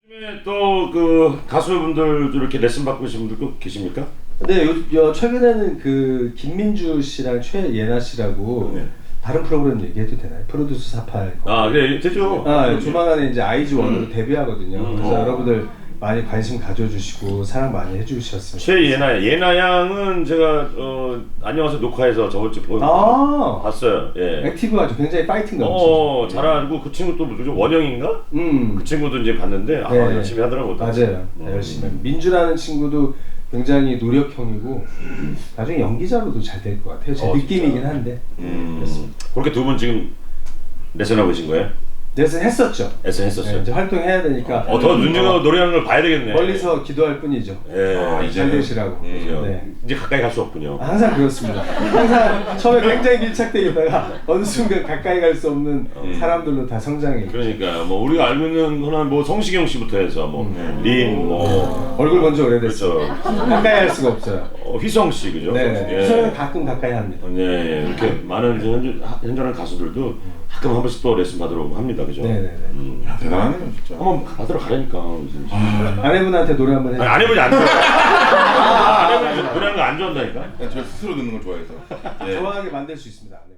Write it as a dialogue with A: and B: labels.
A: 또 그 가수분들도 이렇게 레슨 받고 계신 분들 꼭 계십니까?
B: 네, 최근에는 그 김민주 씨랑 최예나 씨라고
A: 네.
B: 다른 프로그램 얘기해도 되나요? 프로듀스 48.
A: 아, 네, 되죠.
B: 조만간에 이제 아이즈원으로 데뷔하거든요. 그래서
A: 어.
B: 여러분들 많이 관심 가져주시고 사랑 많이 해주셨으면
A: 최예나 예나 양은 제가 안녕하세요 녹화에서 저번 주에 봤어요. 예.
B: 액티브하죠. 굉장히 파이팅 넘치죠.
A: 잘 알고 그 친구 또 누구죠? 원영인가? 그 친구도 이제 봤는데
B: 네.
A: 열심히 하더라고요.
B: 맞아요. 열심히. 민주라는 친구도 굉장히 노력형이고 나중에 연기자로도 잘 될 것 같아요. 제 느낌이긴 한데. 그렇습니다.
A: 그렇게 두 분 지금 레슨하고 계신 거예요?
B: 레슨 했었죠.
A: 레슨 했었어요.
B: 네, 이제 활동해야 되니까.
A: 더 눈여겨 노래하는 걸 봐야 되겠네.
B: 멀리서 기도할 뿐이죠. 잘 되시라고. 네.
A: 이제 가까이 갈 수 없군요.
B: 항상 그렇습니다. 항상 처음에 굉장히 밀착되어 있다가 어느 순간 가까이 갈 수 없는 사람들로 다 성장해.
A: 그러니까 뭐 우리가 알고 있는 거는 뭐 성시경 씨부터 해서 뭐 린, 뭐
B: 얼굴 본지 오래됐어.
A: 그렇죠.
B: 가까이 할 수가 없어요.
A: 휘성 씨 그죠?
B: 네. 휘성은 가끔 가까이 합니다.
A: 네, 이렇게 많은 현존하는 가수들도 가끔 한 번씩 또 레슨 받으러 합니다, 그죠?
B: 네네네.
C: 야, 대단하네요 진짜.
A: 한번 받으러 가라니까.
B: 아내분한테 노래 한번 해.
A: 아내분이 안 좋아. 아내분이 노래하는 거 안 좋아한다니까.
C: 저 스스로 듣는 걸 좋아해서.
B: 좋아하게 만들 수 있습니다. 아내.